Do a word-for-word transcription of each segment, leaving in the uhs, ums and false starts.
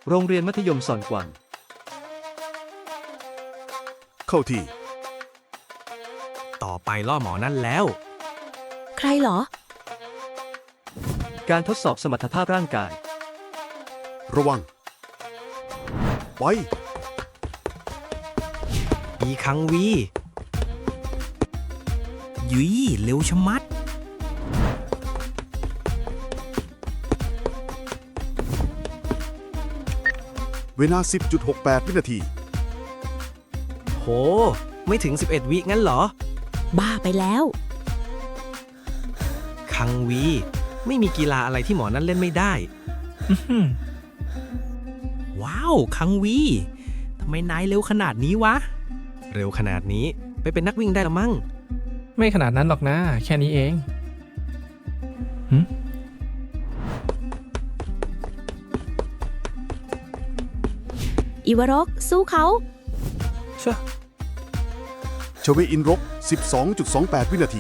โรงเรียนมัธยมซอนกวางเข้าที่ต่อไปล่อหมอนั่นแล้วใครเหรอการทดสอบสมรรถภาพร่างกายระวังไปอีคังวียุยเร็วชะมัดเวลา สิบจุดหกแปด วินาทีโห ไม่ถึง สิบเอ็ด วิงั้นเหรอบ้าไปแล้วคังวี ไม่มีกีฬาอะไรที่หมอนั่นเล่นไม่ได้ ว้าว คังวี ทำไมนายเร็วขนาดนี้วะ เร็วขนาดนี้ไปเป็นนักวิ่งได้ละมั้งไม่ขนาดนั้นหรอกนะ แค่นี้เองหึอิวารกสู้เขาเชอะชเวอินรก สิบสองจุดสองแปด วินาที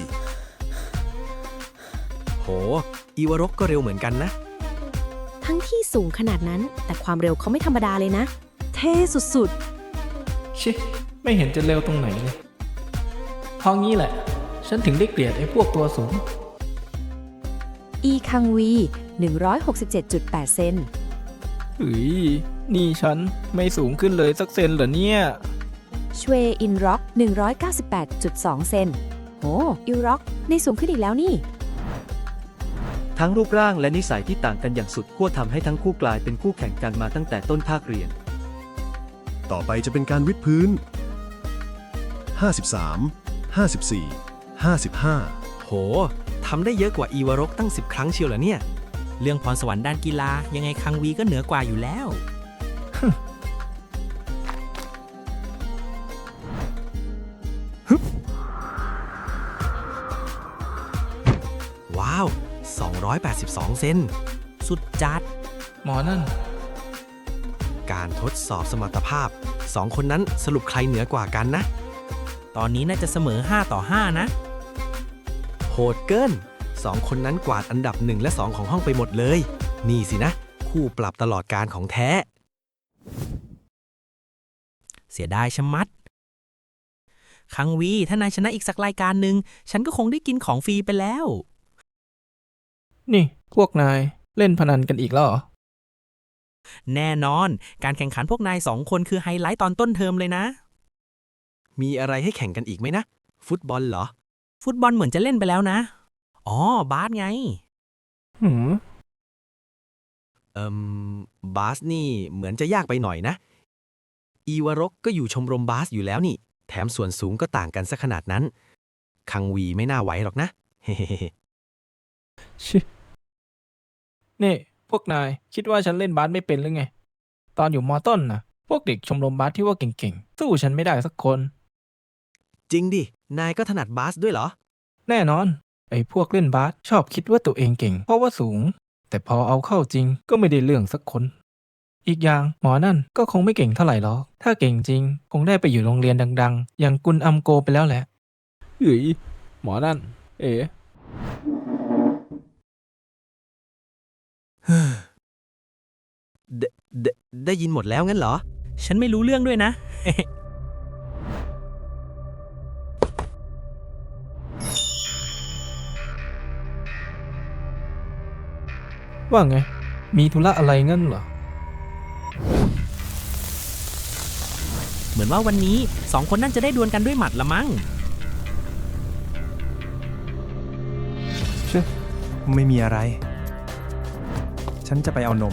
โห อีวารกก็เร็วเหมือนกันนะทั้งที่สูงขนาดนั้น แต่ความเร็วเขาไม่ธรรมดาเลยนะ เท่สุดชิไม่เห็นจะเร็วตรงไหนเลยเพราะงี้แหละ ฉันถึงได้เกลียดไอ้พวกตัวสูงๆ อีคังวี หนึ่งร้อยหกสิบเจ็ดจุดแปด เซนเฮ้ย นี่ฉันไม่สูงขึ้นเลยสักเซนเหรอเนี่ยชเวอินร็อก หนึ่งร้อยเก้าสิบแปดจุดสอง เซนโหอิวร็อกในสูงขึ้นอีกแล้วนี่ทั้งรูปร่างและนิสัยที่ต่างกันอย่างสุดขั้วทำให้ทั้งคู่กลายเป็นคู่แข่งกันมาตั้งแต่ต้นภาคเรียนต่อไปจะเป็นการวิดพื้น ห้าสิบสาม ห้าสิบสี่ ห้าสิบห้าโห ทำได้เยอะกว่าอีวารกตั้ง สิบ ครั้งเชียวเหรอเนี่ย เรื่องพรสวรรค์ด้านกีฬายังไงคังวีก็เหนือกว่าอยู่แล้ว ว้าว สองร้อยแปดสิบสอง เซน สุดจัดหมอนั่นการทดสอบสมรรถภาพ สอง คนนั้นสรุปใครเหนือกว่ากันนะ ตอนนี้น่าจะเสมอ ห้า ต่อ ห้า นะ โหดเกิน สอง คนนั้นกวาดอันดับ หนึ่ง และ สอง ของห้องไปหมดเลย นี่สินะ คู่ปรับตลอดการของแท้ เสียดายชะมัด คังวี ถ้านายชนะอีกสักรายการหนึ่ง ฉันก็คงได้กินของฟรีไปแล้วนี่ พวกนายเล่นพนันกันอีกแล้วเหรอแน่นอน การแข่งขันพวกนายสองคนคือไฮไลท์ตอนต้นเทอมเลยนะ มีอะไรให้แข่งกันอีกไหมนะ ฟุตบอลเหรอ ฟุตบอลเหมือนจะเล่นไปแล้วนะ อ๋อ บาสไงหืมเอิมบาสนี่เหมือนจะยากไปหน่อยนะ อีวารกก็อยู่ชมรมบาสอยู่แล้วนี่ แถมส่วนสูงก็ต่างกันซะขนาดนั้น คังวีไม่น่าไหวหรอกนะ เฮ้ชินี่ พวกนายคิดว่าฉันเล่นบาสไม่เป็นหรือไง ตอนอยู่มอต้นนะพวกเด็กชมรมบาสที่ว่าเก่งๆ สู้ฉันไม่ได้สักคนจริงดิ นายก็ถนัดบาสด้วยเหรอแน่นอน ไอ้พวกเล่นบาสชอบคิดว่าตัวเองเก่ง เพราะว่าสูง แต่พอเอาเข้าจริงก็ไม่ได้เรื่องสักคน อีกอย่างหมอนั่นก็คงไม่เก่งเท่าไหร่หรอก ถ้าเก่งจริง คงได้ไปอยู่โรงเรียนดังๆ อย่างกุนอัมโกไปแล้วแหละเฮ้ยหมอนั่น เอ๋ไดไดได้ยินหมดแล้วงั้นเหรอ ฉันไม่รู้เรื่องด้วยนะว่าไง มีธุระอะไรงั้นเหรอเหมือนว่าวันนี้สองคนนั่นจะได้ดวลกันด้วยหมัดละมั้งไม่มีอะไร ฉันจะไปเอานม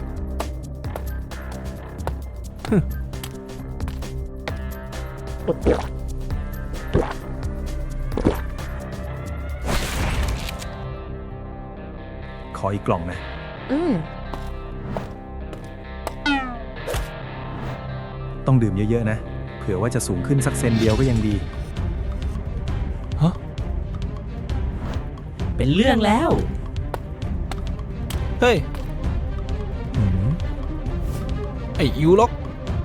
ขออีกกล่องนะอืมต้องดื่มเยอะๆนะ เผื่อว่าจะสูงขึ้นสักเซนเดียวก็ยังดีฮะเป็นเรื่องแล้วเฮ้ย ไอ้อิวล็อก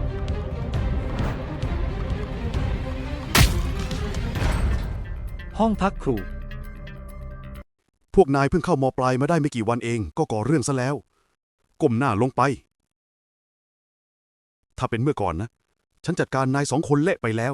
ห้องพักครูพวกนายเพิ่งเข้ามปลายมาได้ไม่กี่วันเองก็ก่อเรื่องซะแล้ว ก้มหน้าลงไปถ้าเป็นเมื่อก่อนนะ ฉันจัดการนายสองคนเละไปแล้ว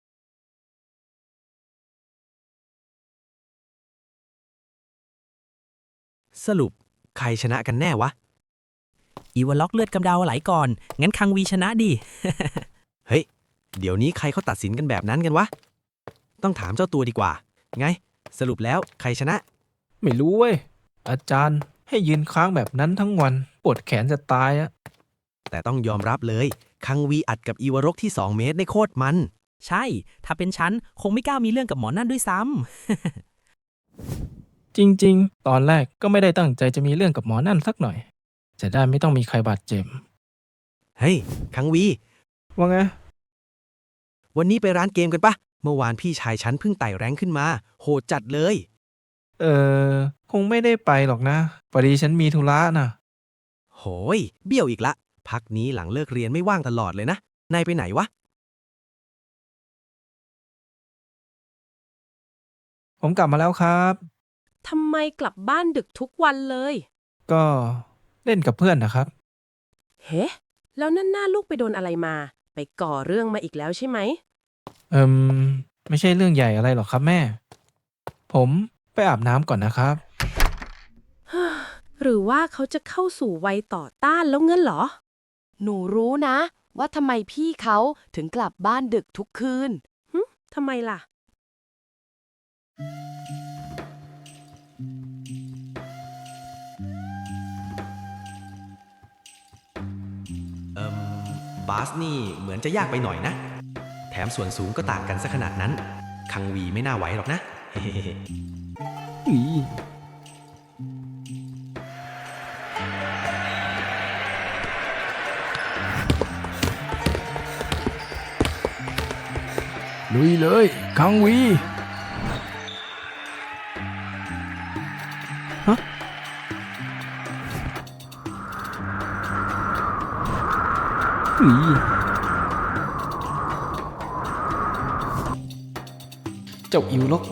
สรุปใครชนะกันแน่วะอีวอลล็อกเลือดกำเดาไหลก่อน งั้นคังวีชนะดิเฮ้ย เดี๋ยวนี้ใครเขาตัดสินกันแบบนั้นกันวะ ต้องถามเจ้าตัวดีกว่า ไง สรุปแล้วใครชนะไม่รู้เว้ย อาจารย์ให้ยืนค้างแบบนั้นทั้งวัน ปวดแขนจะตายอะแต่ต้องยอมรับเลย คังวีอัดกับอีวารกที่สองเมตรในโคตรมันใช่ ถ้าเป็นฉัน คงไม่กล้ามีเรื่องกับหมอนั่นด้วยซ้ำจริงๆ ตอนแรกก็ไม่ได้ตั้งใจจะมีเรื่องกับหมอนั่นสักหน่อย จะได้ไม่ต้องมีใครบาดเจ็บเฮ้ย คังวีว่าไงวันนี้ไปร้านเกมกันปะ เมื่อวานพี่ชายฉันเพิ่งไต่แรงขึ้นมา โหดจัดเลยเออ คงไม่ได้ไปหรอกนะพอดีฉันมีธุระน่ะโหย เบี้ยวอีกละ พักนี้หลังเลิกเรียนไม่ว่างตลอดเลยนะ นายไปไหนวะผมกลับมาแล้วครับทำไมกลับบ้านดึกทุกวันเลยก็เล่นกับเพื่อนนะครับเฮ้แล้วนั่นหน้าลูกไปโดนอะไรมา ไปก่อเรื่องมาอีกแล้วใช่ไหมเอิมไม่ใช่เรื่องใหญ่อะไรหรอกครับแม่ ผมไปอาบน้ำก่อนนะครับหรือว่าเขาจะเข้าสู่วัยต่อต้านแล้วเงั้นเหรอหนูรู้นะ ว่าทำไมพี่เขาถึงกลับบ้านดึกทุกคืนหึทำไมล่ะเอิมบาสนี่เหมือนจะยากไปหน่อยนะ แถมส่วนสูงก็ต่างกันซะขนาดนั้น คังวีไม่น่าไหวหรอกนะอี ลุยเลยคังวีฮะอีเจ้าอิวลก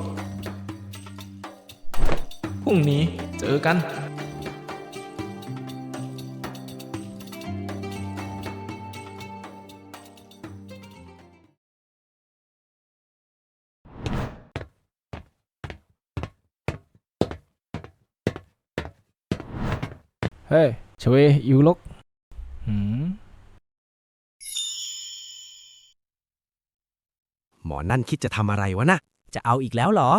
พรุ่งนี้เจอกัน เฮ้ยชเวอิวลกหืมหมอนั่นคิดจะทำอะไรวะนะจะเอาอีกแล้วเหรอ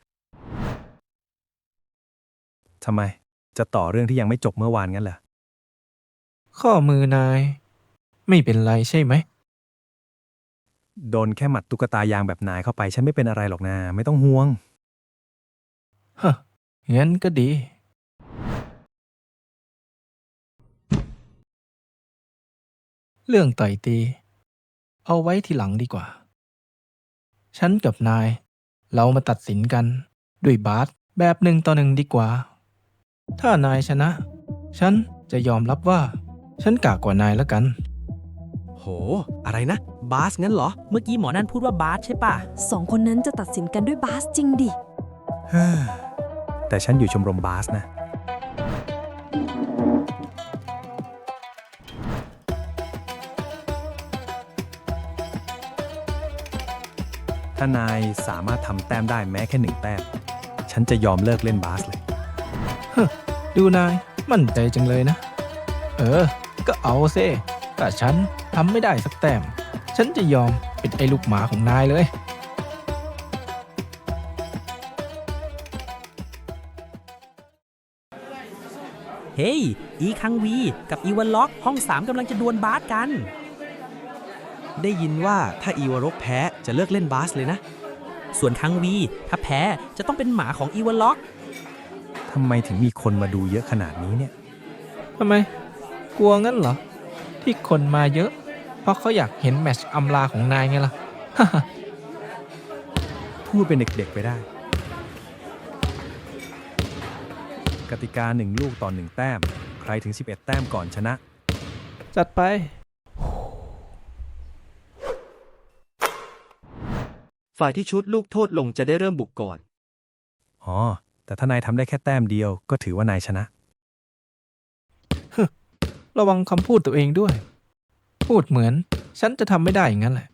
ทำไม จะต่อเรื่องที่ยังไม่จบเมื่อวานงั้นเหรอข้อมือนาย ไม่เป็นไรใช่ไหมโดนแค่หมัดตุ๊กตายางแบบนายเข้าไป ฉันไม่เป็นอะไรหรอกนะ ไม่ต้องห่วงฮะ งั้นก็ดี เรื่องต่อยตี เอาไว้ทีหลังดีกว่า ฉันกับนาย เรามาตัดสินกัน ด้วยบาสแบบหนึ่งต่อหนึ่งดีกว่า ถ้านายชนะ ฉันจะยอมรับว่า ฉันกากกว่านายแล้วกันโห อะไรนะ บาสงั้นเหรอเมื่อกี้หมอนั่นพูดว่าบาสใช่ปะสองคนนั้นจะตัดสินกันด้วยบาสจริงดิแต่ฉันอยู่ชมรมบาสนะ ถ้านายสามารถทำแต้มได้แม้แค่หนึ่งแต้ม ฉันจะยอมเลิกเล่นบาสเลยดูนายมั่นใจจังเลยนะ เออ ก็เอาเซ่แต่ฉันทำไม่ได้สักแต้ม ฉันจะยอมเป็นไอ้ลูกหมาของนายเลยเฮ้ย อีคังวี กับอีวอลล็อกห้องสามกำลังจะดวลบาสกันได้ยินว่าถ้าอีวารกแพ้จะเลิกเล่นบาสเลยนะส่วนคังวี ถ้าแพ้จะต้องเป็นหมาของอีวอลล็อกทำไมถึงมีคนมาดูเยอะขนาดนี้เนี่ยทำไม กลัวงั้นเหรอ ที่คนมาเยอะ เพราะเขาอยากเห็นแมตช์อำลาของนายไงล่ะพูดเป็นเด็กๆไปได้ กติกาหนึ่งลูกต่อหนึ่งแต้ม ใครถึงสิบเอ็ดแต้มก่อนชนะจัดไปฝ่ายที่ชุดลูกโทษลงจะได้เริ่มบุกก่อนอ๋อ แต่ถ้านายทำได้แค่แต้มเดียวก็ถือว่านายชนะระวังคำพูดตัวเองด้วยพูดเหมือน ฉันจะทำไม่ได้อย่างนั้นแหละ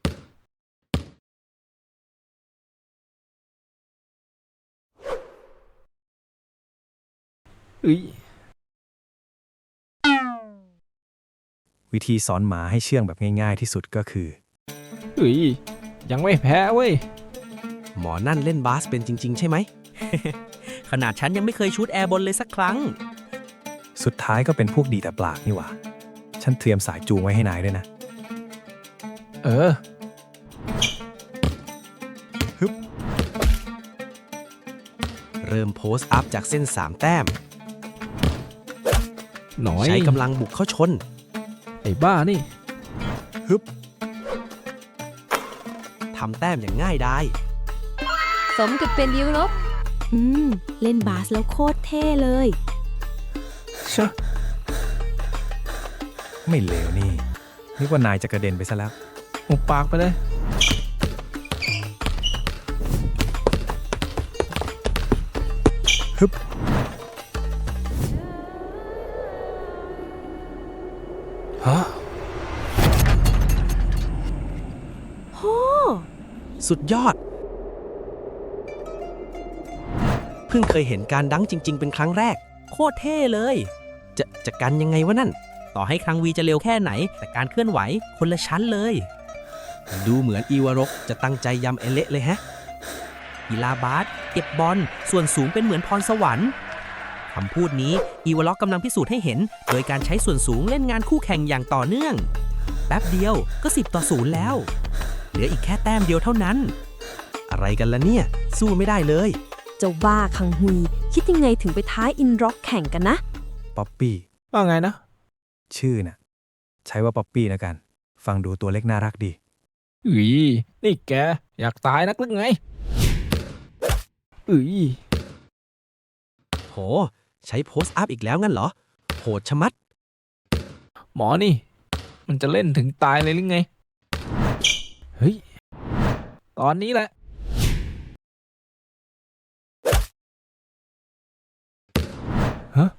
เอ้ยวิธีสอนหมาให้เชื่องแบบง่ายๆที่สุดก็คือเอ้ย ยังไม่แพ้เว้ยหมอนั่นเล่นบาสเป็นจริง ๆ ใช่ไหมขนาดฉันยังไม่เคยชูตแอร์บอลเลยสักครั้งสุดท้ายก็เป็นพวกดีแต่ปากนี่หว่า ฉันเตรียมสายจูงไว้ให้นายด้วยนะเออเริ่มโพสต์อัพจากเส้นสามแต้มหน่อยใช้กำลังบุกเข้าชนไอ้บ้านี่ทำแต้มอย่างง่ายดายสมกับเป็นยุโรปอืม เล่นบาสแล้วโคตรเท่เลยชะไม่เลวนี่นึกว่านายจะกระเด็นไปซะแล้วหุบปากไปเลยฮึบฮะสุดยอด เพิ่งเคยเห็นการดังจริง ๆ เป็นครั้งแรกโคตรเท่เลยจะจะกันยังไงวะนั่นต่อให้ครั้งวีจะเร็วแค่ไหน แต่การเคลื่อนไหวคนละชั้นเลยดูเหมือนอีวารกจะตั้งใจยำเอเละเลยแฮะกีฬาบาสเก็บบอลส่วนสูงเป็นเหมือนพรสวรรค์คำพูดนี้อีวอลล็อกกำลังพิสูจน์ให้เห็น โดยการใช้ส่วนสูงเล่นงานคู่แข่งอย่างต่อเนื่อง แป๊บเดียวก็สิบต่อศูนย์แล้ว เหลืออีกแค่แต้มเดียวเท่านั้นอะไรกันล่ะเนี่ย สู้ไม่ได้เลยเจ้าบ้าคังฮุย คิดยังไงถึงไปท้าอินร็อกแข่งกันนะป๊อปปี้ว่าไงนะชื่อน่ะ ใช้ว่าป๊อปปี้แล้วกัน ฟังดูตัวเล็กน่ารักดีอุ้ย นี่แก อยากตายนักหรือไงอุ้ยโห ใช้โพสต์อัพอีกแล้วงั้นเหรอ โหดชะมัดหมอนี่ มันจะเล่นถึงตายเลยหรือไง เฮ้ย ตอนนี้แหละ ฮะ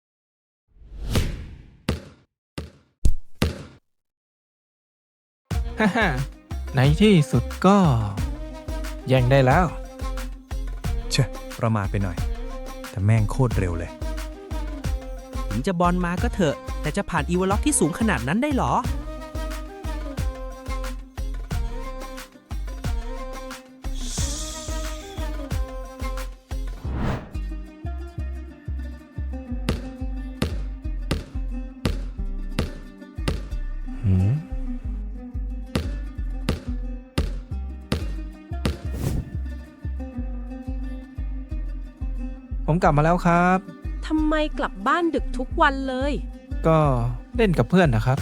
ฮ่าฮ่าในที่สุดก็ แย่งได้แล้วเชอะประมาทไปหน่อย แต่แม่งโคตรเร็วเลยถึงจะบอลมาก็เถอะ แต่จะผ่านอีวอลล็อกที่สูงขนาดนั้นได้หรอหืม ผมกลับมาแล้วครับทำไมกลับบ้านดึกทุกวันเลยก็เล่นกับเพื่อนนะครับ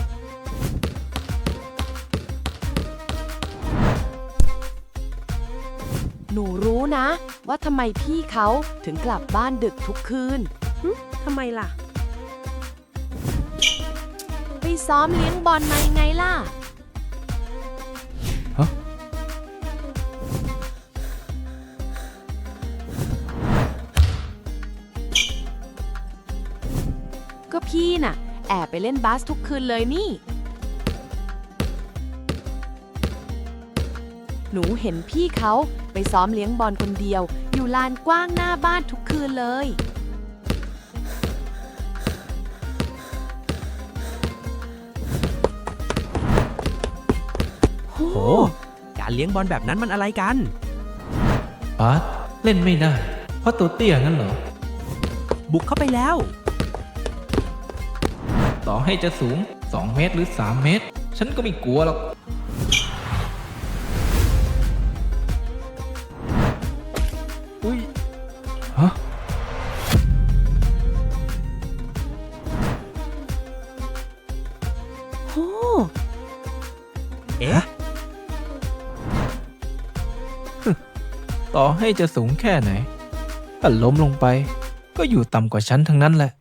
หนูรู้นะ ว่าทำไมพี่เขาถึงกลับบ้านดึกทุกคืนทำไมล่ะไปซ้อมเลี้ยงบอลมายังไงล่ะฮะก็พี่น่ะ แอบไปเล่นบาสทุกคืนเลยนี่ หนูเห็นพี่เขาไปซ้อมเลี้ยงบอลคนเดียว อยู่ลานกว้างหน้าบ้านทุกคืนเลยโห การเลี้ยงบอลแบบนั้นมันอะไรกันบาสเล่นไม่ได้ เพราะตัวเตี้ยงั้นเหรอบุกเข้าไปแล้วต่อให้จะสูง สอง เมตรหรือ สาม เมตร ฉันก็ไม่กลัวหรอก อุ้ย ฮะโหเอ๊ะต่อให้จะสูงแค่ไหน ถ้าล้มลงไป ก็อยู่ต่ำกว่าฉันทั้งนั้นแหละ